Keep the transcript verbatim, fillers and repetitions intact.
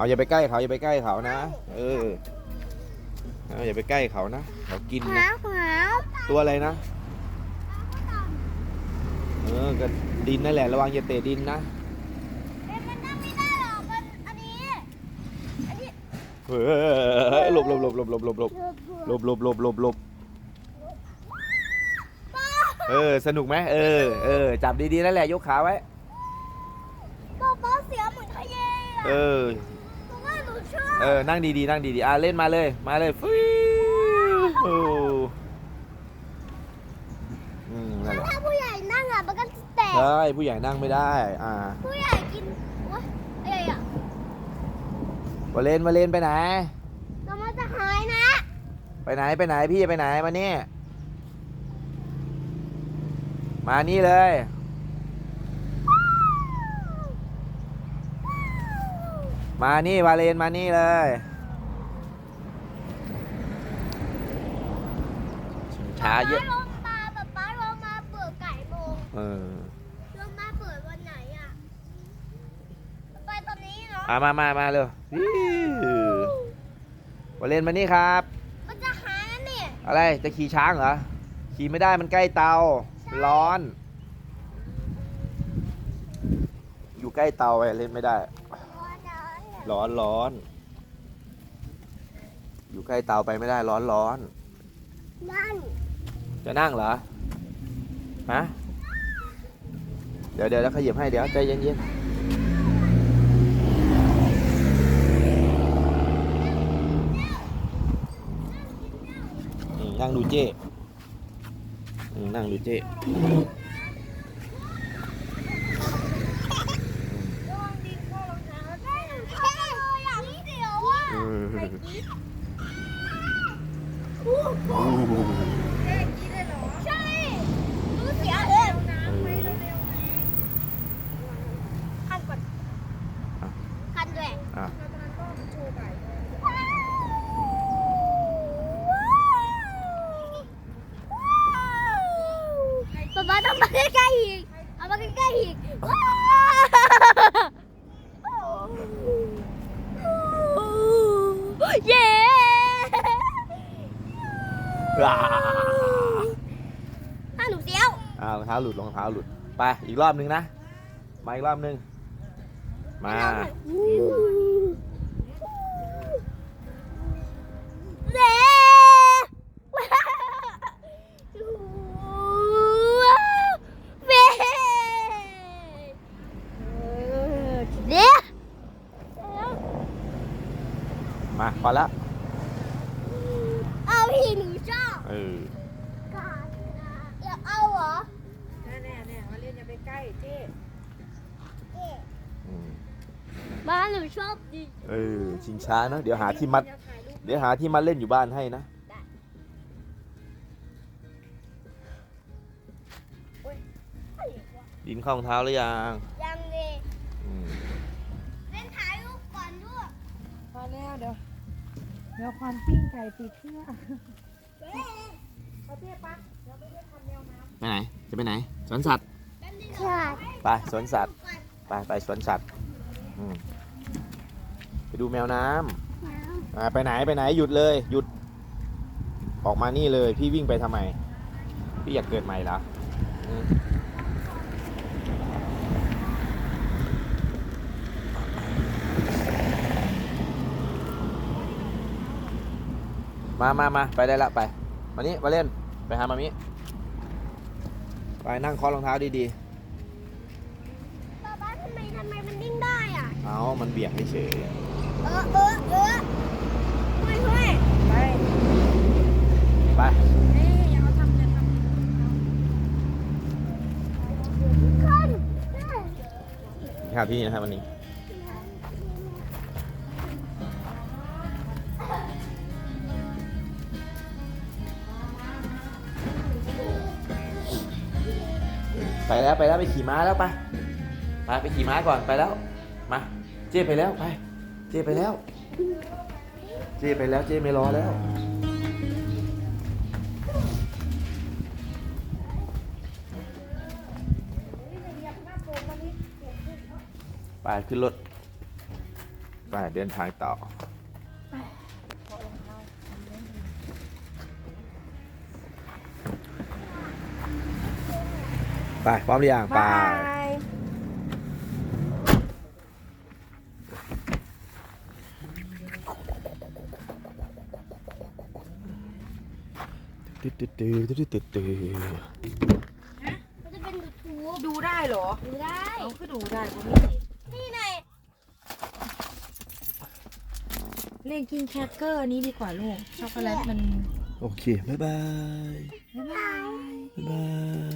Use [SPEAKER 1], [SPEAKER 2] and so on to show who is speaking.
[SPEAKER 1] เอาอย่าไปใกล้เขาอย่าไปใกล้เขานะเออเอาอย่าไปใกล้เขานะเขากินนะตัวอะไรนะเออก็ดินนั่นแหละระวังอย่าเตะดินนะ
[SPEAKER 2] มันนั่งไม่ได้หรอกมันอันนี้อันนี้
[SPEAKER 1] เฮ้ยหลบหลบหลบหลบหลบหลบหลบหลบหลบหลบหลบหลบเออสนุกไหมเออเออจับดีๆนั่นแหละยกขาไว้
[SPEAKER 2] ป๊าป๊าเสียเหมือนทะเล
[SPEAKER 1] เออ
[SPEAKER 2] เพราะว่าหนูชอบ
[SPEAKER 1] เออนั่งดีๆนั่งดีๆอ่ะเล่นมาเลยมาเลยฟิวโอ้อืมนั่นแหละ
[SPEAKER 2] ถ้าผู้ใหญ่นั่งอ่ะมันก็จะแตก
[SPEAKER 1] ใช่ผู้ใหญ่นั่งไม่ได้อ่า
[SPEAKER 2] ผู้ใหญ่กินวะอะไรอ่ะ
[SPEAKER 1] วาเลนวาเลนไปไหน
[SPEAKER 2] เรามาจะหายนะ
[SPEAKER 1] ไปไหนไปไหนพี่ไปไหนมานี่มานี่เลยมานี่วาเลนมานี่เลยช้าเยอะ
[SPEAKER 2] ลงมาป๊าป๊าลงมาเปิดไก่โมง
[SPEAKER 1] เออ
[SPEAKER 2] ลงมาเปิดวันไหนอ่ะไปตอนนี้เนาะ
[SPEAKER 1] มามามามาเร็ววาเลนมานี่ครับ
[SPEAKER 2] มันจะหายนะเนี่ย
[SPEAKER 1] อะไรจะขี่ช้างเหรอขี่ไม่ได้มันใกล้เตาร้อนอยู่ใกล้เตาไปเล่นไม่ได้ร้อนร้อนอยู่ใกล้เตาไปไม่ได้ร้อนร้อน
[SPEAKER 2] นั่ง
[SPEAKER 1] จะนั่งเหรอฮะเดี๋ยวเดี๋ยวแล้วขยับให้เดี๋ยวใจเย็นเย็นนั่งดูเจ้นั่งดูเจ้
[SPEAKER 2] ใช่รู้เสียเลยคันก่อนคันด้วย
[SPEAKER 1] อ่ะ
[SPEAKER 2] ป๊าป๊าต้องมาใกล้ๆอีกเอามาใกล้ๆอีกเย้ถ้าหนูเสียว
[SPEAKER 1] อ่ารองเท้าหลุดรองเท้าหลุดไปอีกรอบนึงนะมาอีกรอบนึงมา
[SPEAKER 2] เย้เย้เย้
[SPEAKER 1] มาพอแล้ว
[SPEAKER 2] เอาที่หนูชอบ
[SPEAKER 1] เออ
[SPEAKER 2] อยากเอาเหรอ
[SPEAKER 3] แน่แน่แน่มาเล่นอย่าไปใกล้เจ๊
[SPEAKER 2] บ้านหนูชอบดิ
[SPEAKER 1] เออชิงช้านะเดี๋ยวหาที่มัดเดี๋ยวหาที่มัดเล่นอยู่บ้านให้นะดินเข้ารองเท้าหรือยัง
[SPEAKER 2] ยังเลยเล่นถ่ายรูปก่อนด้วย
[SPEAKER 3] พอแล้วเดี๋ยวเดี๋ยวความปิ้งไก่ติดเครื่องเขาเจ๊ปะเดี๋ยวไปเล่นทำแนวน้ำ
[SPEAKER 1] ไปไหนจะไปไหนสวนสัตว์ไปสวนสัตว์ไปไปสวนสัตว์ไปดูแมวน้ำไปไหนไปไหนหยุดเลยหยุดออกมานี่เลยพี่วิ่งไปทำไมพี่อยากเกิดใหม่เหรอมามามาไปได้ละไปมานี่มาเล่นไปหามามิไปนั่งเคาะรองเท้าดี
[SPEAKER 2] ๆป๊าป๊าทำไมทำไมมันดิ้นได้อ่ะ
[SPEAKER 1] เอามันเบี่ยงเฉย
[SPEAKER 2] เออเออเออเฮ้ยเฮ้ย
[SPEAKER 3] ไป
[SPEAKER 1] ไป
[SPEAKER 3] เฮ้ยอย่าเอาทำอย่าทำ
[SPEAKER 2] ขึ้น
[SPEAKER 1] ครับพี่นะครับวันนี้ไปแล้วไปแล้วไปขี่ม้าแล้วไปไปไปขี่ม้าก่อนไปแล้วมาเจ้ไปแล้วไปเจ้ไปแล้วเจ้ไปแล้วเจ้ไม่รอแล้วไปขึ้นรถไปเดินทางต่อ ไปพร้อมหรือยังไป
[SPEAKER 3] บาย
[SPEAKER 1] ตึ๊ดตึ๊ดตึ๊ดตึ๊ดตึ๊ดตึ๊ด
[SPEAKER 2] มันจะเป็นยูทูบ
[SPEAKER 3] ดูได้เหรอ
[SPEAKER 2] ดูได้
[SPEAKER 3] เอาคือดูได้บ่มี
[SPEAKER 2] นี่ไง
[SPEAKER 3] เล่นกินแครกเกอร์นี้ดีกว่าลูกช็อกโกแลตมัน
[SPEAKER 1] โอเค บ๊ายบาย
[SPEAKER 3] บ๊ายบาย
[SPEAKER 1] บ๊ายบาย